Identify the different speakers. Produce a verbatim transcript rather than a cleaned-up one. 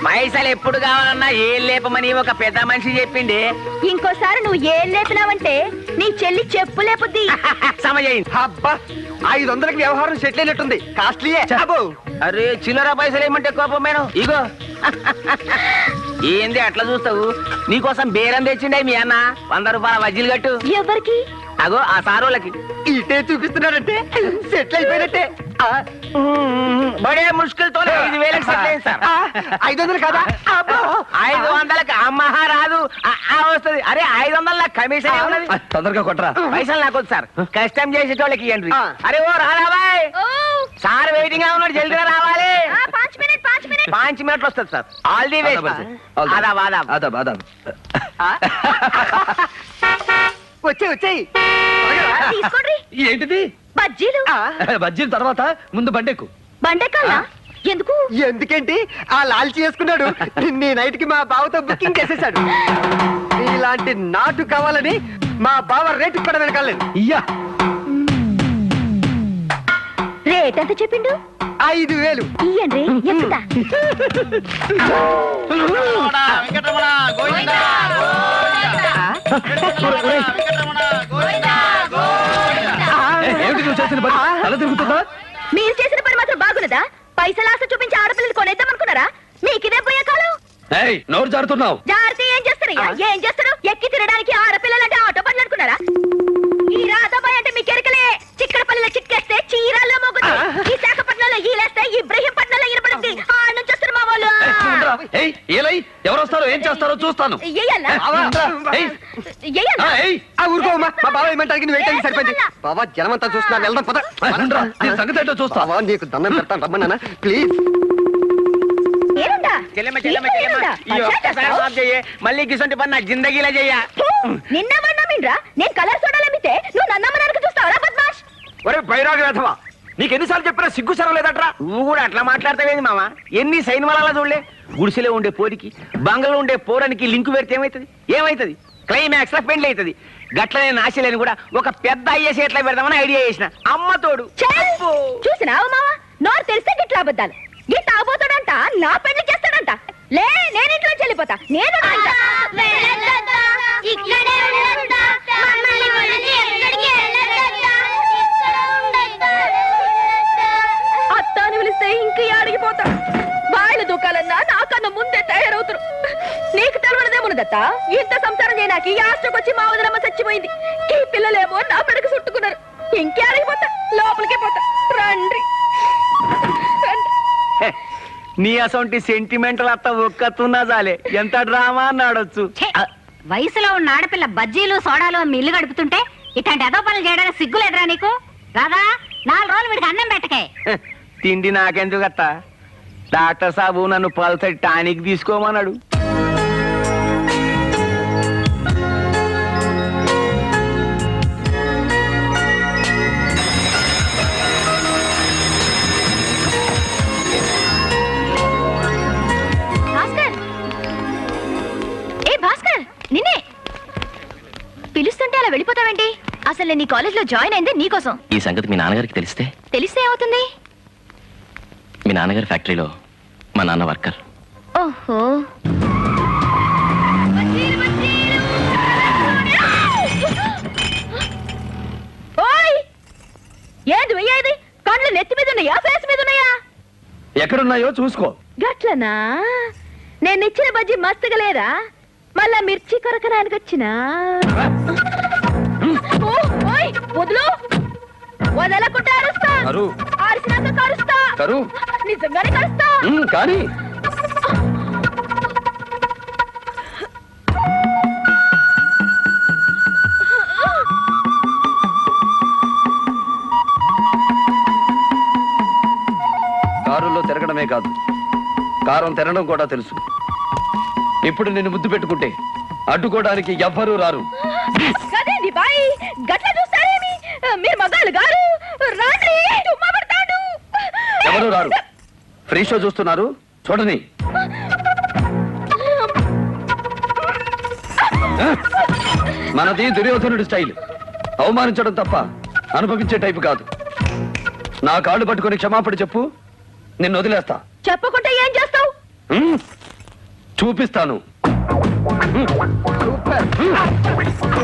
Speaker 1: పైసలు ఎప్పుడు కావాలన్నా ఏం లేపమని ఒక పెద్ద మనిషి చెప్పింది.
Speaker 2: ఇంకోసారి నువ్వు ఏం లేపినావంటే నీ చెల్లి చెప్పు లేపుద్ది.
Speaker 1: సమజైంది.
Speaker 3: అబ్బా ఐదు వందలకి వ్యవహారం సెటిల్ అయినట్టుంది. కాస్ట్లీయే.
Speaker 1: అరే చిల్లర పైసలు ఏమంటే కోపం మేడం. ఇగో ఏంది అట్లా చూస్తావు? నీకోసం బేరం తెచ్చిండే మీ అన్న. వంద రూపాయల వజ్జీలు కట్టు.
Speaker 2: ఎవరికి?
Speaker 1: అగో ఆ సారోళ్ళకి.
Speaker 3: ఇటే చూపిస్తున్నాడంటే సెటిల్ అయిపోయినట్టే.
Speaker 1: బడే ముష్కిల్ తోలే ఐదు వేలకు సెటిల్ అయింది సార్.
Speaker 3: ఐదు వందలు కదా?
Speaker 1: ఐదు వందలకు అమ్మహ రాదు వస్తుంది. అరే ఐదు వందల కమిషన్ ఏమున్నది?
Speaker 3: తొందరగా కొట్టరా.
Speaker 1: పైసలు నాకు సార్ కష్టం చేసేటోళ్ళకి ఇవ్వండి. అరే ఓ రాబాయ్ సార్ వెయిటింగ్ గా ఉన్నాడు, జల్దిగా రావాలి. పాంచ్ మినిట్లు వస్తుంది సార్. All the way. ఆదాబ్ ఆదాబ్
Speaker 3: ఆదాబ్ ఆదాబ్. వచ్చే వచ్చేయి. ఏంటిది?
Speaker 2: బజ్జీలు.
Speaker 3: బజ్జీలు తర్వాత ముందు బండెక్కు.
Speaker 2: బండెక్కాలా? ఎందుకు?
Speaker 3: ఎందుకేంటి ఆ లాల్చి చేసుకున్నాడు. నీ నైట్ కి మా బావతో బుకింగ్ చేసేసాడు. ఇలాంటి నాటు కావాలని మా బావ రేటు కూడా వెనకాలేదు. ఇయ్యా
Speaker 2: రేట్ ఎంత చెప్పిండు?
Speaker 3: ఐదు వేలు.
Speaker 2: ఇయ్యండి ఎంత? మీరు చేసిన పని మాత్రం బాగున్నదా? పైసలు ఆశ చూపించి ఆడపిల్లలు కొనేద్దాం అనుకున్నారా? మీకిదే పోయే కాలం.
Speaker 3: నోరు జారుతున్నావు.
Speaker 2: జారితే ఏం చేస్తారు? ఏం చేస్తారు? ఎక్కి తినడానికి ఆడపిల్లలంటే ఆటో పనులు అనుకున్నారా? ఈ రాధాబాయ్ అంటే మీ కెరకలే. చిక్కడపల్లిలో చిక్కేస్తే చీరాల్లో మోగుద్ది. ఈ శాఖపట్నంలో ఈలేస్తే ఇబ్రహీంపట్నంలో ఇరపడుద్ది. ఆ నుంచి వస్తారు మా వాళ్ళు.
Speaker 3: ఎవరు వస్తారో ఏం చేస్తారో చూస్తాను. సరిపోయింది. బాబా జనమంతా చూస్తున్నా. వెళ్దాం పద. సంగతి ఏంటో చూస్తావా? నీకు దండం పెడతాను రమ్మన్నా ప్లీజ్.
Speaker 1: మళ్ళీ గిసంటి పని నా జిందగీలో చెయ్య.
Speaker 2: నిన్న మన్నామిండ్రా నేను కలర్ సోడాలమ్మితే నువ్వు నన్నమ్మడానికి చూస్తావరా బద్మాష్?
Speaker 1: ఒరే బైరాగ వేధవా, నీకు ఎన్నిసార్లు చెప్పినా సిగ్గు సరం లేదట్రా. నువ్వు కూడా అట్లా మాట్లాడతావేంది మామ? ఎన్ని సైన్మాలా చూడలే. గుడిసెలో ఉండే పోరికి బంగళలో ఉండే పోరానికి లింకు పెడితే ఏమైతుంది? ఏమైతుంది? క్లైమాక్స్ లో పెండ్లి అవుతుంది. గట్లనే నాశలేని కూడా ఒక పెద్ద అయ్యేసి ఎట్లా పెడదామని ఐడియా చేసిన. అమ్మతోడు
Speaker 2: చూసినావు మామ, నోరు తెలిస్తే గిట్లా అబద్దాలు. గిట్ట ఆబోతాడంట నా పెళ్లి చేస్తాడంట. లే నేను ఇంట్లో చెల్లిపోతా. నేను అత్తాని పిలిస్తే ఇంక అడిగిపోతా. బాయిలు దూకాలన్నా నాకన్నా ముందే తయారవుతారు. నీకు తెలవడదేమున్నదత్త, ఇంత సంసారం చేయడానికి ఈ ఆస్ట్రకొచ్చి మా వదిలమ్మ చచ్చిపోయింది. ఈ పిల్లలేమో నా పెడకు చుట్టుకున్నారు. ఇంకే అడిగిపోతా, లోపలికే పోతా. రండి
Speaker 1: నీ అసొంటి సెంటిమెంటల్ అత్త ఒక్కతున్నా చాలే. ఎంత డ్రామా అన్నాడొచ్చు.
Speaker 4: వయసులో ఉన్న ఆడపిల్ల బజ్జీలు సోడాలు మిల్లు గడుపుతుంటే ఇట్లాంటి ఏదో పనులు చేయడానికి సిగ్గులేదురా నీకు? రాదా నాలుగు రోజులు వీడికి అన్నం పెట్టకే.
Speaker 1: తిండి నాకెందుకు అత్త? డాక్టర్ సాబు నన్ను పల్సటి టానిక్ తీసుకోమన్నాడు.
Speaker 2: నిన్నే పిలుస్తుంటే అలా వెళ్ళిపోతావేంటి? అసలు నేను నీ కాలేజ్ లో జాయిన్ అయింది నీకోసం.
Speaker 5: ఈ సంగతి మీ నాన్నగారికి తెలిస్తే?
Speaker 2: తెలిస్తే ఏమవుతుంది?
Speaker 5: మీ నాన్నగారి ఫ్యాక్టరీలో మా నాన్న వర్కర్.
Speaker 2: ఓహో, ఓయ్ ఏది వెయ్యేది? కళ్ళు నెత్తి మీద ఉన్నాయా, ఫేస్ మీద ఉన్నాయా?
Speaker 3: ఎక్కడున్నాయో చూసుకో.
Speaker 2: గట్లనా? నేను ఇచ్చిన బజ్జీ మస్తుగా లేదా? మళ్ళా మిర్చి కొరకడానికి వచ్చినా? వదులు, వదలకుండా అరుస్తా. అరిసినాక కరుస్తా. నిజంగానే కరుస్తా.
Speaker 3: కానీ కారులో తిరగడమే కాదు, కారం తినడం కూడా తెలుసు. ఇప్పుడు నిన్ను ముద్దు పెట్టుకుంటే అడ్డుకోవడానికి ఎవ్వరూ రారు.
Speaker 2: మీరు మగాళ్ళు గారు రాండి.
Speaker 3: ఎవరు రారు. ఫ్రీ షో చూస్తున్నారు చూడని. మనది దుర్యోధనుడి స్టైల్. అవమానించడం తప్ప అనుభవించే టైపు కాదు. నా కాళ్ళు పట్టుకుని క్షమాపణ చెప్పు, నిన్ను వదిలేస్తా.
Speaker 2: చెప్పకుంటే ఏం చేస్తావు?
Speaker 6: చూపిస్తాను
Speaker 3: సూపర్